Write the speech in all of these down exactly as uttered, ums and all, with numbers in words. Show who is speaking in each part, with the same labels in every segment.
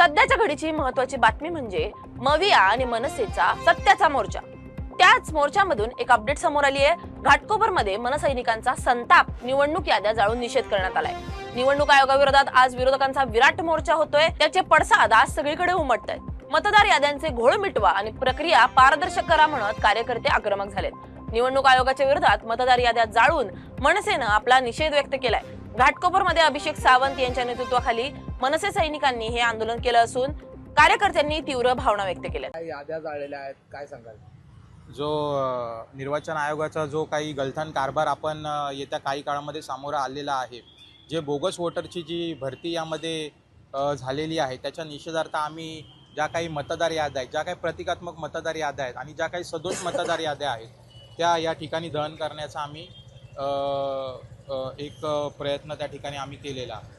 Speaker 1: सध्याच्या घडीची महत्त्वाची बातमी म्हणजे मविया आणि मनसेचा सत्याचा मोर्चा। त्याच मोर्चामधून एक अपडेट समोर आली आहे। घाटकोपरमध्ये मनसैनिकांचा संताप निवडणूक याद्या जाळून निषेध करण्यात आलाय। निवडणूक आयोगाविरोधात आज विरोधकांचा विराट मोर्चा होतोय, त्याचे पडसाद आज सगळीकडे उमटतायत। मतदार याद्यांचे घोळ मिटवा आणि प्रक्रिया पारदर्शक करा म्हणत कार्यकर्ते आक्रमक झालेत। निवडणूक आयोगाच्या विरोधात मतदार याद्या जाळून मनसेनं आपला निषेध व्यक्त केलाय। घाटकोपरमध्ये अभिषेक सावंत यांच्या नेतृत्वाखाली मनसे सैनिकांनी हे आंदोलन केलं असून कार्यकर्त्यांनी तीव्र भावना व्यक्त केल्या।
Speaker 2: याद्या जाळलेल्या आहेत, काय सांगाल?
Speaker 3: जो निर्वाचन आयोगाचा जो काही गलथान कारभार आपण येत्या काही काळामध्ये सामोरा आलेला आहे, जे बोगस वोटरची जी भरती यामध्ये झालेली आहे, त्याच्या निषेधार्थ आम्ही ज्या काही मतदार याद्या आहेत, ज्या काही प्रतिकात्मक मतदार याद्या आहेत आणि ज्या काही सदोष मतदार याद्या आहेत, त्या या ठिकाणी दहन करण्याचा आम्ही एक प्रयत्न त्या ठिकाणी आम्ही केलेला आहे।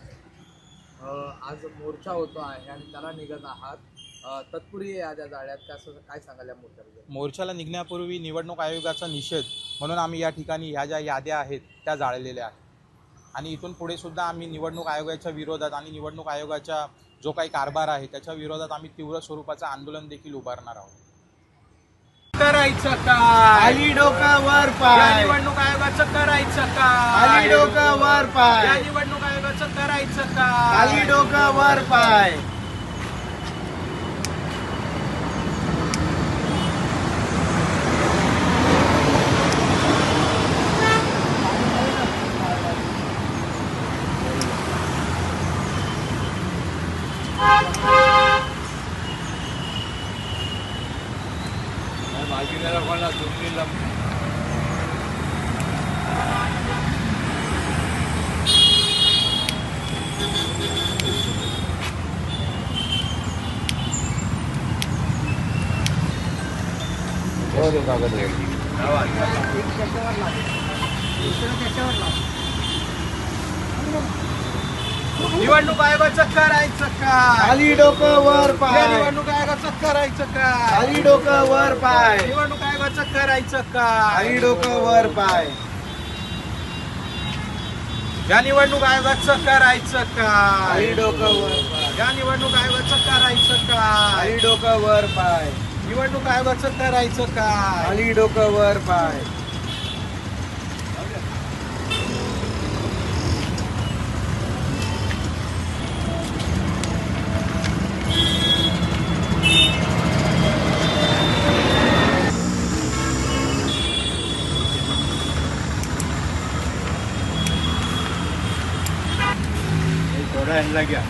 Speaker 2: आज मोर्चा होतो आहे आणि त्याला निघत आहात, तत्पूर्वी याद्या जाळल्यात, कसं काय सांगाल या मोर्चाबद्दल?
Speaker 3: मोर्चाला निघण्यापूर्वी निवडणूक आयोगाचा निषेध म्हणून आम्ही या ठिकाणी ह्या ज्या याद्या आहेत त्या जाळलेल्या आहेत आणि इथून पुढे सुद्धा आम्ही निवडणूक आयोगाच्या विरोधात आणि निवडणूक आयोगाचा जो काही कारभार आहे त्याच्या विरोधात आम्ही तीव्र स्वरूपाचं आंदोलन देखील उभारणार आहोत।
Speaker 4: करायचं काय?
Speaker 2: खाली डोकं वर पाय,
Speaker 4: निवडणूक आयोगाचं करायचं काय?
Speaker 2: खाली डोकं वर पाय,
Speaker 4: या निवडणूक आयोगाचं करायचं काय?
Speaker 2: खाली डोकं वर पाय।
Speaker 4: निवडणूक आयोगाचं करायचं काय?
Speaker 2: खाली डोकं वर
Speaker 4: या
Speaker 2: पाय,
Speaker 4: निवडणूक आयोगाचं करायचं काय?
Speaker 2: खाली डोकं वर पाय,
Speaker 4: निवडणूक आयोगाचं करायचं काय?
Speaker 2: खाली डोकं वर पाय।
Speaker 4: या निवडणूक आयोगाचं करायचं काय?
Speaker 2: खाली डोकं वर पाय,
Speaker 4: या निवडणूक आयोगाचं करायचं काय?
Speaker 2: खाली डोकं वर पाय,
Speaker 4: निवडणूक आयोगाचं करायचं काय?
Speaker 2: खाली डोकं वर पाय।
Speaker 4: थोड़ा ह्यांना घ्या।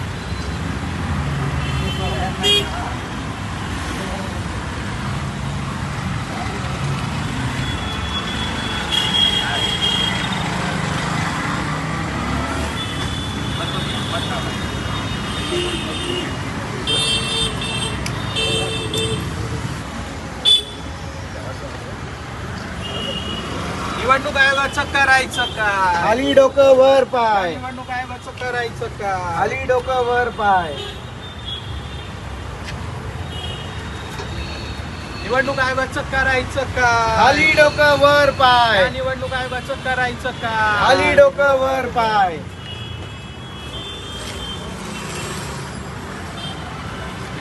Speaker 4: निवडणूक आयोगाचं करायचं काय?
Speaker 2: खाली डोकं वर पाय,
Speaker 4: निवडणूक आयोगाचं करायचं काय?
Speaker 2: खाली डोकं वर पाय,
Speaker 4: निवडणूक आयोगाचं करायचं काय?
Speaker 2: खाली डोकं वर पाय,
Speaker 4: निवडणूक आयोगाचं करायचं काय?
Speaker 2: खाली डोकं वर पाय।